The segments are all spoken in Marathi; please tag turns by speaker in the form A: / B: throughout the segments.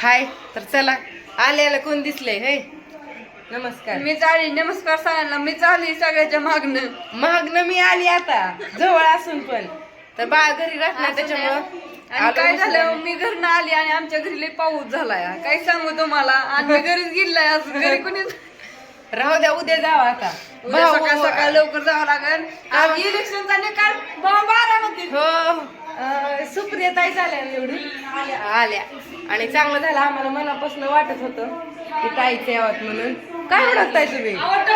A: हाय. तर चला, आल्याला कोण दिसलंय? हे नमस्कार.
B: मी चाली. नमस्कार सगळ्यांना. मी चाली सगळ्याच्या
A: मागणं मी आली आता, जवळ असून पण. तर बाळ घरी राहत नाही त्याच्यामुळं
B: आणि काय झालं, मी घरनं आली आणि आमच्या घरी लई पाऊस झालाय. काय सांगू तुम्हाला, आणि मी घरीच गेलाय. आज घरी कोणीच
A: राहू द्या, उद्या जावा आता.
B: उद्या सकाळ सकाळ लवकर जावं लागेल. आज इलेक्शनचा निकाल 12
A: हो. सुप्रिया ताई झाल्या निवडून आल्या आणि चांगलं झालं. आम्हाला मनापासून वाटत होतं की ताईच यावत म्हणून. काय ओळखताय तुम्ही?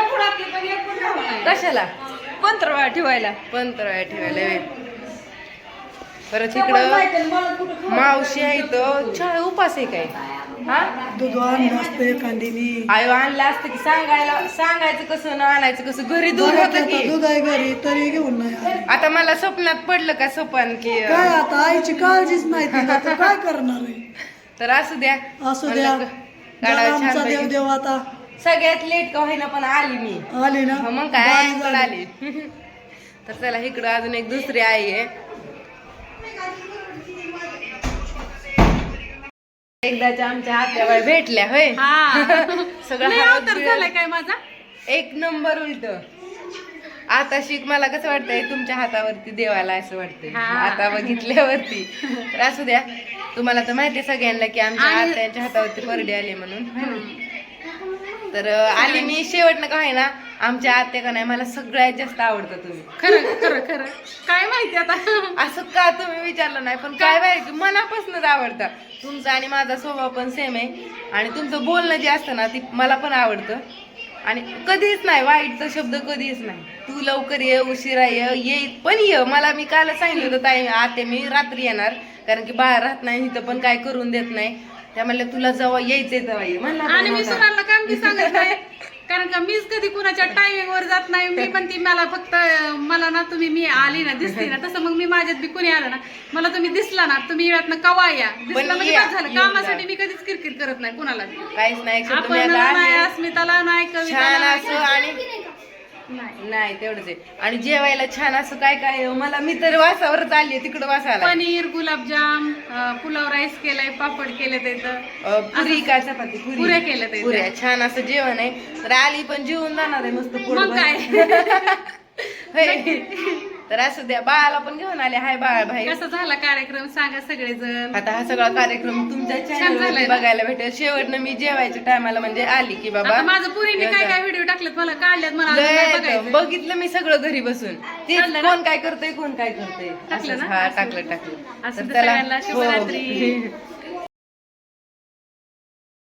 A: कशाला?
B: पंधरा ठेवायला.
A: पंधरा ठेवायला वेळ. परत इकडं मावशी आहे तर चहा उपास आहे काय? हा,
C: दूध आणलं असतं एखादीने.
A: आयो आणलं असतं की सांगायचं कसं ना आणायचं कसं. घरी दूध होतं की.
C: दूध आहे घरी तरी घेऊन नाही आली.
A: आता मला स्वप्नात पडलं का सपन की
C: काय आता आईची काळजीच नाही तिला, तर काय करणार आहे.
A: तर असू द्या.
C: असू द्या.
A: काढावं
C: आमचा
A: छान
C: देव
A: पैकी.
C: देव आता
A: सगळ्यात लेट का होईना पण आली मी.
C: आली ना.
A: हो, मग काय
C: बारी
A: इकडं
C: झाली.
A: आली. तर चला, इकडं अजून एक दुसरी आई आहे. एकदाच्या आमच्या आत्याबाई भेटल्या होय. सगळं हात
B: झालाय काय माझा.
A: एक नंबर उलट. आता शिक मला कसं वाटतंय तुमच्या हातावरती देवाला असं वाटतंय आता बघितल्यावरती. तर असू द्या. तुम्हाला तर माहिती आहे सगळ्यांना की आमच्या आत्यांच्या हातावरती परडे आले म्हणून. तर आली मी शेवटनं काय ना, आमच्या आत्या का नाही मला सगळ्यात जास्त आवडतं तुम्ही.
B: खरं खरं खरं काय माहिती आता.
A: असं का तुम्ही विचारलं नाही, पण काय माहिती मनापासूनच आवडतं. तुमचा आणि माझा स्वभाव पण सेम आहे आणि तुमचं बोलणं जे असतं ना ती मला पण आवडतं. आणि कधीच नाही वाईटचा शब्द, कधीच नाही. तू लवकर ये, उशिरा ये पण ये. मला मी काल सांगितलं होतं ताई आते मी रात्री येणार, कारण की बाहेर राहत नाही इथं पण काय करून देत नाही. त्या म्हणलं तुला जेव्हा यायचंय तेव्हा ये म्हणलं.
B: आणि मी सुनाला काम बी सांगत नाही, कारण का मीच कधी कुणाच्या टायमिंग वर जात नाही. मी पण ती मला फक्त मला ना तुम्ही मी आली ना दिसली ना तसं मग मी माझ्यात बी कुणी आलं ना मला तुम्ही दिसला ना तुम्ही वेळात ना कवा या दिसला म्हणजे काय झालं. कामासाठी मी कधीच किरकिर करत नाही कुणाला.
A: काहीच नाही.
B: आपण नाही, अस्मिताला नाही,
A: छान
B: कविताला
A: असं आणि नाही तेवढंच आहे. आणि जेवायला छान असं काय काय मला, मी तर वासावरच आली तिकडं वासाला.
B: पनीर, गुलाबजाम, पुलाव राईस केलाय, पापड केले त्याचं,
A: पुरी काय चपाती,
B: पुऱ्या केल्या ते.
A: पुऱ्या. छान असं जेवण आहे. तर आली पण जेवून जाणार आहे मस्त पोट
B: मग
A: भरून.
B: काय.
A: तर असू द्या. बाळाला पण घेऊन आले. हाय बाळ भाई.
B: कसा झाला कार्यक्रम सांगा सगळेजण.
A: आता हा सगळा कार्यक्रम तुमच्या चॅनल
B: झालाय
A: बघायला भेटेल. शेवटनं मी जेवायच्या टायमाला म्हणजे आली की बाबा
B: आता माझं पुरीने काय काय व्हिडिओ टाकलेत मला काढल्यात मला अजून नाही
A: लय
B: बघायचं.
A: बघितलं मी सगळं घरी बसून. ते कोण काय करतंय कोण काय करतंय.
B: टाकलं ना?
A: हा, टाकलं.
B: असं
A: तर
B: तर
A: चला.
B: सगळ्यांना
A: हो.
B: शुभरात्री.